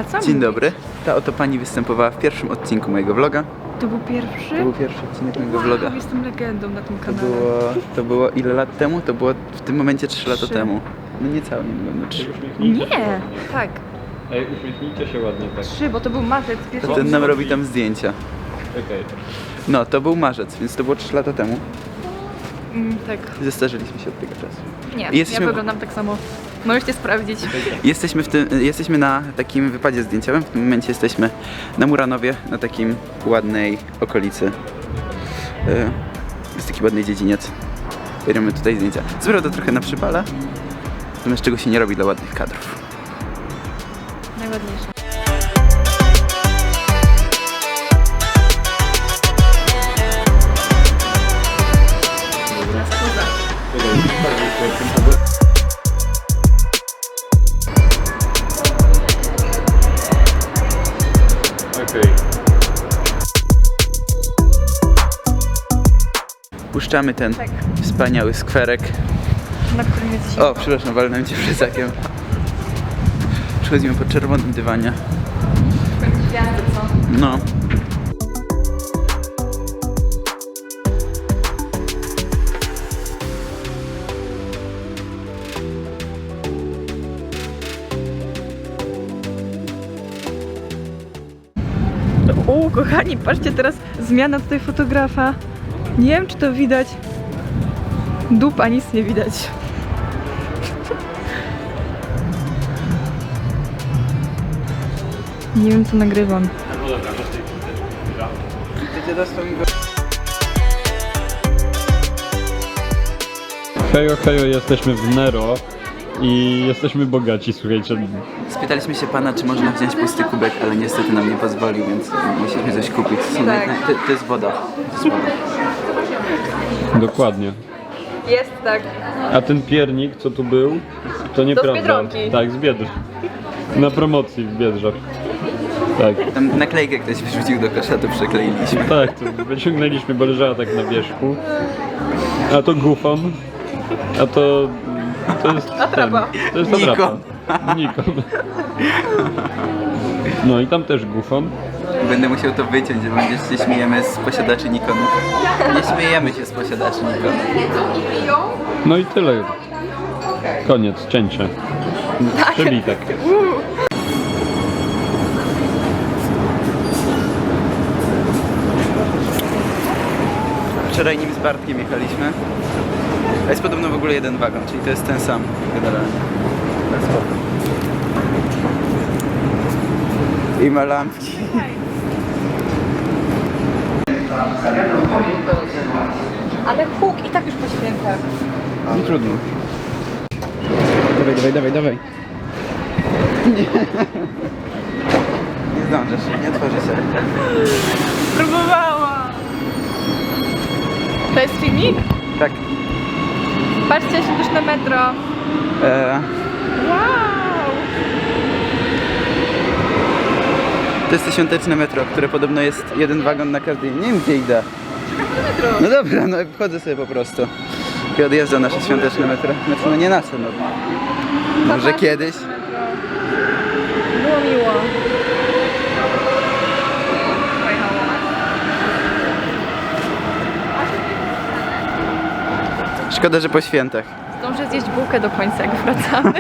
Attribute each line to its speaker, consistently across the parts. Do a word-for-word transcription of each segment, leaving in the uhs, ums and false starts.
Speaker 1: A co
Speaker 2: Dzień
Speaker 1: mówić?
Speaker 2: dobry. Ta oto pani występowała w pierwszym odcinku mojego vloga.
Speaker 1: To był pierwszy?
Speaker 2: To był pierwszy odcinek mojego
Speaker 1: Wow,
Speaker 2: vloga.
Speaker 1: jestem legendą na tym
Speaker 2: To
Speaker 1: kanale.
Speaker 2: było, to było ile lat temu? To było w tym momencie trzy lata
Speaker 1: Trzy.
Speaker 2: temu. No niecałe, nie wiem, no trzy.
Speaker 1: Nie, tak.
Speaker 3: Ej, uśmiechnijcie się ładnie tak.
Speaker 1: Trzy, bo to był marzec. Pierwszy
Speaker 2: To ten nam robi tam zdjęcia.
Speaker 3: Okej.
Speaker 2: No, to był marzec, więc to było trzy lata temu.
Speaker 1: Mm, tak.
Speaker 2: Zestarzyliśmy się od tego czasu.
Speaker 1: Nie,
Speaker 2: Jesteśmy-
Speaker 1: ja wyglądam tak samo. Możecie sprawdzić.
Speaker 2: Jesteśmy, w tym, jesteśmy na takim wypadzie zdjęciowym. W tym momencie jesteśmy na Muranowie, na takim ładnej okolicy. Yy, Jest taki ładny dziedziniec. Bierzemy tutaj zdjęcia. Co prawda trochę na przypale, natomiast czego się nie robi dla ładnych kadrów.
Speaker 1: Najładniejsze.
Speaker 3: Okej.
Speaker 2: Puszczamy ten
Speaker 1: Tak.
Speaker 2: wspaniały skwerek.
Speaker 1: Na którym jest zimno.
Speaker 2: O, przepraszam, walnąłem cię plecakiem. Przechodzimy po czerwonym dywanie.
Speaker 1: Gwiazdy, co?
Speaker 2: No.
Speaker 1: O, kochani, patrzcie teraz, zmiana tutaj fotografa. Nie wiem, czy to widać. Dupa, nic nie widać. Nie wiem, co nagrywam.
Speaker 3: Hejo, hejo, jesteśmy w Nero i jesteśmy bogaci, słuchajcie.
Speaker 2: Spytaliśmy się pana, czy można wziąć pusty kubek, ale niestety nam nie pozwolił, więc musieliśmy coś kupić. Są
Speaker 1: Tak.
Speaker 2: na- to, to jest woda. To jest woda.
Speaker 3: Dokładnie.
Speaker 1: Jest tak.
Speaker 3: A ten piernik, co tu był, to nieprawda.
Speaker 1: Biedronki.
Speaker 3: Tak, z Biedr. Na promocji w Biedrzach. Tak.
Speaker 2: Tam naklejkę ktoś wrzucił do kosza, to przekleiliśmy.
Speaker 3: Tak, to wyciągnęliśmy, bo leżała tak na wierzchu. A to gufon. A to... To jest
Speaker 1: Atrapa.
Speaker 3: ten, to jest
Speaker 2: Nikon.
Speaker 3: atrapa. Nikon. No i tam też gufon.
Speaker 2: Będę musiał to wyciąć, bo będziesz się śmiejemy z posiadaczy Nikonów. Nie śmiejemy się z posiadaczy Nikonów.
Speaker 3: No i tyle. Koniec, cięcie. Przebitek.
Speaker 2: Wczoraj nim z Bartkiem jechaliśmy. A jest podobno w ogóle jeden wagon, czyli to jest ten sam generalnie. Ale spoko. I ma lampki.
Speaker 1: Ale huk i tak już po świętach.
Speaker 2: No trudno. Dawaj, dawaj, dawaj, dawaj. Nie. Nie zdążysz, nie otworzy się.
Speaker 1: Próbowała. To jest filmik?
Speaker 2: Tak.
Speaker 1: Patrzcie się też na metro.
Speaker 2: E,
Speaker 1: Wow!
Speaker 2: to jest to świąteczne metro, które podobno jest jeden wagon na każdej. Nie wiem gdzie idę.
Speaker 1: Metro.
Speaker 2: No dobra, no wchodzę sobie po prostu. I odjeżdża nasze świąteczne metro. Znaczy no nie nasze, no. Może kiedyś.
Speaker 1: Było miło.
Speaker 2: Szkoda, że po świętach.
Speaker 1: Zdążę zjeść bułkę do końca, jak wracamy.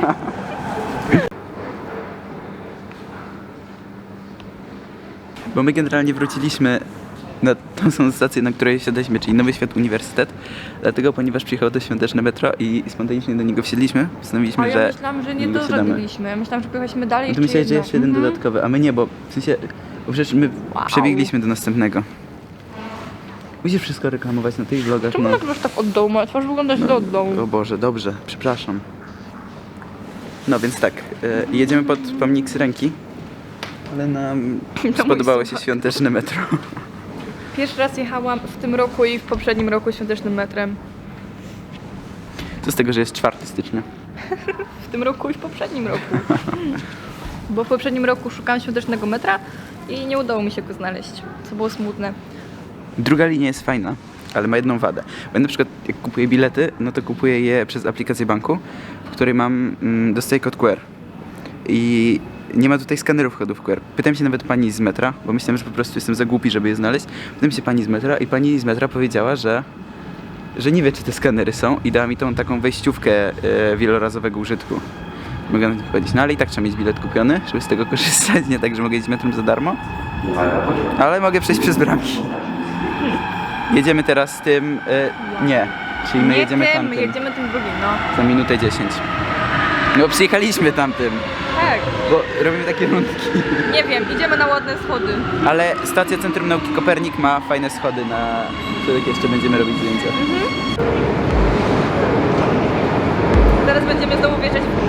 Speaker 2: Bo my generalnie wróciliśmy na tą samą stację, na której siadaliśmy, czyli Nowy Świat Uniwersytet. Dlatego, ponieważ przyjechało to świąteczne metro i spontanicznie do niego wsiedliśmy, postanowiliśmy,
Speaker 1: A ja
Speaker 2: że
Speaker 1: myślałam, że nie
Speaker 2: do niego wsiadamy.
Speaker 1: dożegliśmy. Myślałam, że pojechaliśmy dalej.
Speaker 2: No to
Speaker 1: jeszcze
Speaker 2: myślałeś, że
Speaker 1: jedno.
Speaker 2: jeszcze jeden
Speaker 1: Mhm.
Speaker 2: dodatkowy, a my nie, bo w sensie, bo przecież my
Speaker 1: Wow.
Speaker 2: przebiegliśmy do następnego. Musisz wszystko reklamować na tych vlogach,
Speaker 1: Czemu
Speaker 2: no.
Speaker 1: nagrywasz tak od dołu? Moja twarz wygląda źle od dołu.
Speaker 2: O Boże, dobrze, przepraszam. No więc tak, e, jedziemy pod pomnik Syrenki, ale nam
Speaker 1: mój
Speaker 2: spodobało się
Speaker 1: słuchak.
Speaker 2: świąteczne metro.
Speaker 1: Pierwszy raz jechałam w tym roku i w poprzednim roku świątecznym metrem.
Speaker 2: Co z tego, że jest czwartego stycznia?
Speaker 1: W tym roku i w poprzednim roku. Bo w poprzednim roku szukałam świątecznego metra i nie udało mi się go znaleźć, co było smutne.
Speaker 2: Druga linia jest fajna, ale ma jedną wadę. Bo ja na przykład jak kupuję bilety, no to kupuję je przez aplikację banku, w której mam, mm, dostaję kod Q R. I nie ma tutaj skanerów kodów Q R. Pytałem się nawet pani z metra, bo myślałem, że po prostu jestem za głupi, żeby je znaleźć. Pytałem się pani z metra i pani z metra powiedziała, że że nie wie, czy te skanery są i dała mi tą taką wejściówkę e, wielorazowego użytku. Mogę na to powiedzieć, no ale i tak trzeba mieć bilet kupiony, żeby z tego korzystać, nie tak, że mogę jeździć metrem za darmo. Ale mogę przejść przez bramki. Jedziemy teraz tym... E, nie, czyli my
Speaker 1: nie
Speaker 2: jedziemy
Speaker 1: tym,
Speaker 2: tamtym.
Speaker 1: jedziemy tym drugim, no.
Speaker 2: Za minutę dziesięć. No przyjechaliśmy tamtym,
Speaker 1: Tak,
Speaker 2: bo robimy takie rundki.
Speaker 1: nie wiem, idziemy na ładne schody.
Speaker 2: Ale stacja Centrum Nauki Kopernik ma fajne schody, na których jeszcze będziemy robić zdjęcia.
Speaker 1: Zaraz będziemy znowu wjeżdżać w